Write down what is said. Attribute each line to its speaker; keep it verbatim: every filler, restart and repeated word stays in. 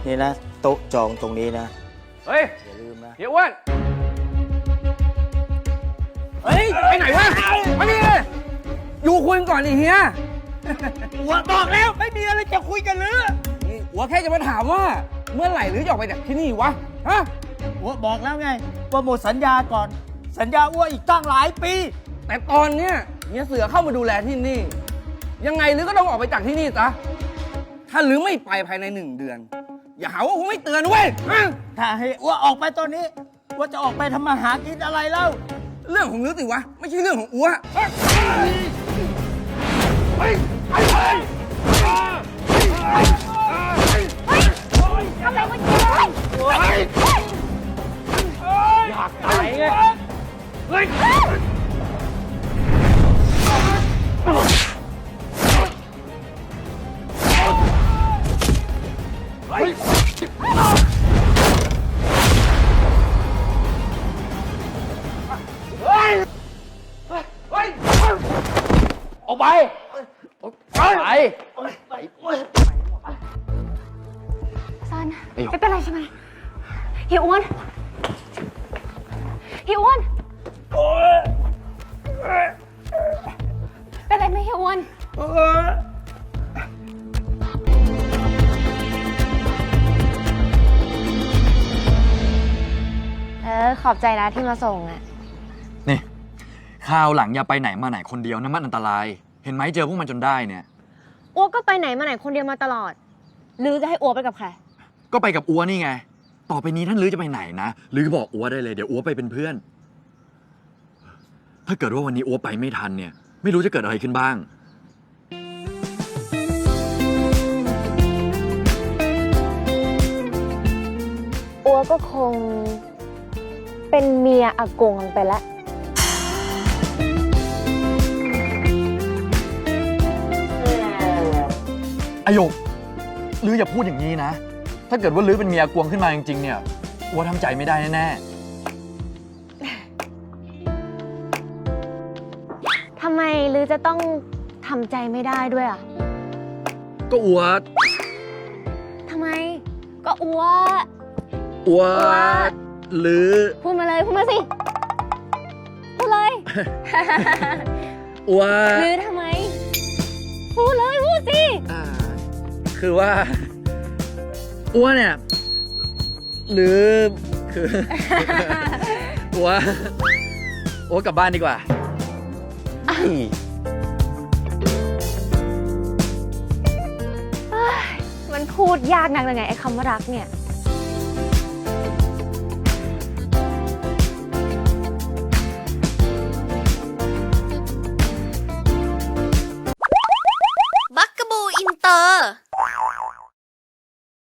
Speaker 1: นี่นะโต๊ะจองตรงนี้นะ
Speaker 2: เฮ้ย
Speaker 1: อย่าลืมนะ
Speaker 2: เฮียอ้วนเฮ้ยไปไหนวะมานี่เลยอยู่คุยกันก่อนดิเฮีย
Speaker 3: หัวบอกแล้วไม่มีอะไรจะคุยกันเลย
Speaker 2: นี่หัวแค่จะมาถามว่า เมื่อไหร่หรือจะออกไปจากที่นี่วะฮะ
Speaker 3: หัวบอกแล้วไงว่าหมดสัญญาก่อน สัญญาอ้วนอีกตั้งหลายปี
Speaker 2: แต่ตอนเนี้ยเฮียเสือเข้ามาดูแลที่นี่ ยังไงหรือก็ต้องออกไปจากที่นี่ซะถ้าหรือไม่ไปภายในหนึ่งเดือน อย่าหาว่าผมไม่เตือนเว้ยฮะ
Speaker 3: ถ้าให้อ้วนออกไปตอนนี้อ้ว่าจะออกไปทำมาหากินอะไรเล่า
Speaker 2: เรื่องของหรือสิวะไม่ใช่เรื่องของอัว
Speaker 4: ทำอะไรเมื่อกี้เลย
Speaker 3: อยากตายไงเฮ้ย
Speaker 2: ออกไปไป
Speaker 4: ซันไม่เป็นไรใช่ไหมเฮียอ้วนเฮียอ้วนเป็นไรไหมเฮียอ้วนเออขอบใจนะที่มาส่งอ่ะ
Speaker 5: นี่คราวหลังอย่าไปไหนมาไหนคนเดียวนะมันอันตราย เห็นไหมเจอพวกมันจนได้เนี่ย
Speaker 4: อ้วก็ไปไหนมาไหนคนเดียวมาตลอดหรือจะให้อ้วไปกับใคร
Speaker 5: ก็ไปกับอัวนี่ไง ต่อไปนี้ท่านลือจะไปไหนนะลือบอกอัวได้เลยเดี๋ยวอัวไปเป็นเพื่อน ถ้าเกิดว่าวันนี้อัวไปไม่ทันเนี่ย ไม่รู้จะเกิดอะไรขึ้นบ้าง
Speaker 4: อ้วก็คงเป็นเมียอากงไปแล้ว
Speaker 5: อโยกลืออย่าพูดอย่างนี้นะ ถ้าเกิดว่าลือเป็นเมียกวงขึ้นมาจริงๆเนี่ยอัวทำใจไม่ได้แน่ๆ
Speaker 4: ทำไมหรือจะต้องทำใจไม่ได้ด้วยอ่ะ
Speaker 5: ก็อัว
Speaker 4: ทำไม ก็อ้ว
Speaker 5: อัว
Speaker 4: อัว
Speaker 5: ลือ
Speaker 4: พูดมาเลยพูดมาสิ พูดเลย
Speaker 5: อัว
Speaker 4: หรือทำไม พูดเลยพูดสิ
Speaker 5: อ่าคือว่าอัวเนี่ยหรือคือ อัวอัวกลับบ้านดีกว่า
Speaker 4: มันพูดยากนักเลยไงไอ้คำว่ารักเนี่ย